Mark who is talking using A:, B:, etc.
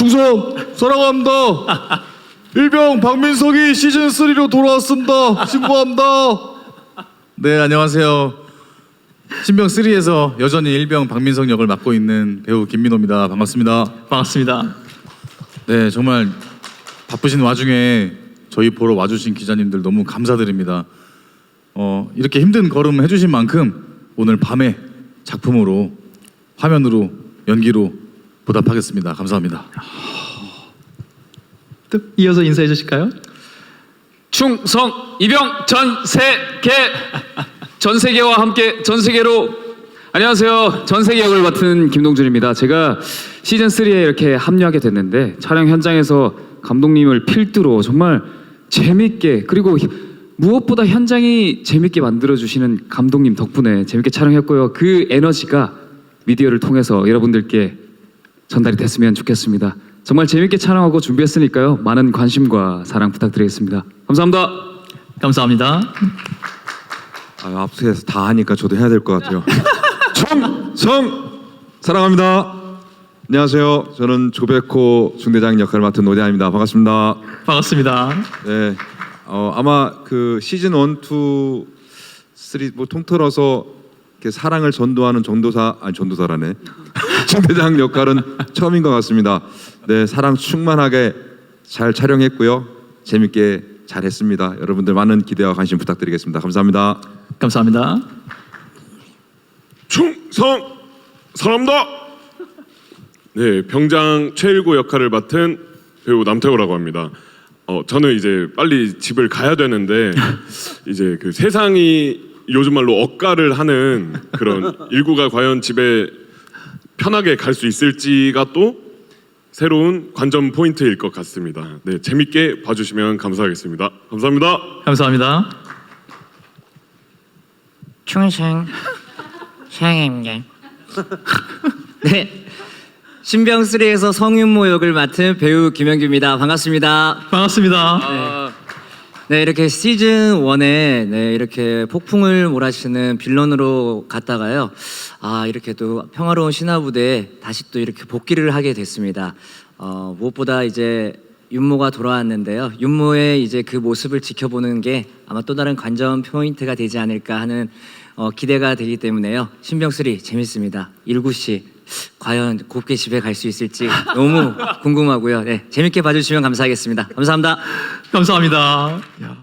A: 충성 사랑합니다. 일병 박민석이 시즌 3로 돌아왔습니다. 신고합니다. 네, 안녕하세요. 신병 3에서 여전히 일병 박민석 역을 맡고 있는 배우 김민호입니다. 반갑습니다.
B: 반갑습니다.
A: 네, 정말 바쁘신 와중에 저희 보러 와주신 기자님들 너무 감사드립니다. 이렇게 힘든 걸음 해주신 만큼 오늘 밤에 작품으로, 화면으로, 연기로 보답하겠습니다. 감사합니다.
B: 또 이어서 인사해 주실까요?
C: 충성 이병 전세계와 함께 전세계로. 안녕하세요. 전세계 역을 맡은 김동준입니다. 제가 시즌 3에 이렇게 합류하게 됐는데 촬영 현장에서 감독님을 필두로 정말 재밌게, 그리고 무엇보다 현장이 재밌게 만들어주시는 감독님 덕분에 재밌게 촬영했고요. 그 에너지가 미디어를 통해서 여러분들께 전달이 됐으면 좋겠습니다. 정말 재밌게 촬영하고 준비했으니까요. 많은 관심과 사랑 부탁드리겠습니다. 감사합니다.
B: 감사합니다.
D: 앞서서 다 하니까 저도 해야 될 것 같아요. 충성 사랑합니다. 안녕하세요. 저는 조백호 중대장 역할을 맡은 노대한입니다. 반갑습니다.
B: 반갑습니다.
D: 네, 아마 그 시즌 1, 2, 3 뭐 통틀어서 이렇게 사랑을 전도하는 전도사라네. 중대장 역할은 처음인 것 같습니다. 네, 사랑 충만하게 잘 촬영했고요. 재밌게 잘했습니다. 여러분들 많은 기대와 관심 부탁드리겠습니다. 감사합니다.
B: 감사합니다.
E: 충성 사랑합니다. 네, 병장 최일구 역할을 맡은 배우 남태호라고 합니다. 저는 이제 빨리 집을 가야 되는데 이제 그 세상이 요즘 말로 억가를 하는 그런 일구가 과연 집에 편하게 갈 수 있을지가 또 새로운 관전 포인트일 것 같습니다. 네, 재밌게 봐주시면 감사하겠습니다. 감사합니다.
B: 감사합니다.
F: 충성 사랑합니다. 네, 신병 3에서 성윤모 역을 맡은 배우 김영규입니다. 반갑습니다.
B: 반갑습니다.
F: 네, 이렇게 시즌 1에 이렇게 폭풍을 몰아치는 빌런으로 갔다가요. 이렇게 또 평화로운 신화부대에 다시 또 이렇게 복귀를 하게 됐습니다. 무엇보다 이제 윤모가 돌아왔는데요. 윤모의 이제 그 모습을 지켜보는 게 아마 또 다른 관전 포인트가 되지 않을까 하는 기대가 되기 때문에요. 신병 3 재밌습니다. 일구 씨 과연 곱게 집에 갈 수 있을지 너무 궁금하고요. 네, 재밌게 봐주시면 감사하겠습니다. 감사합니다.
B: 감사합니다. 야.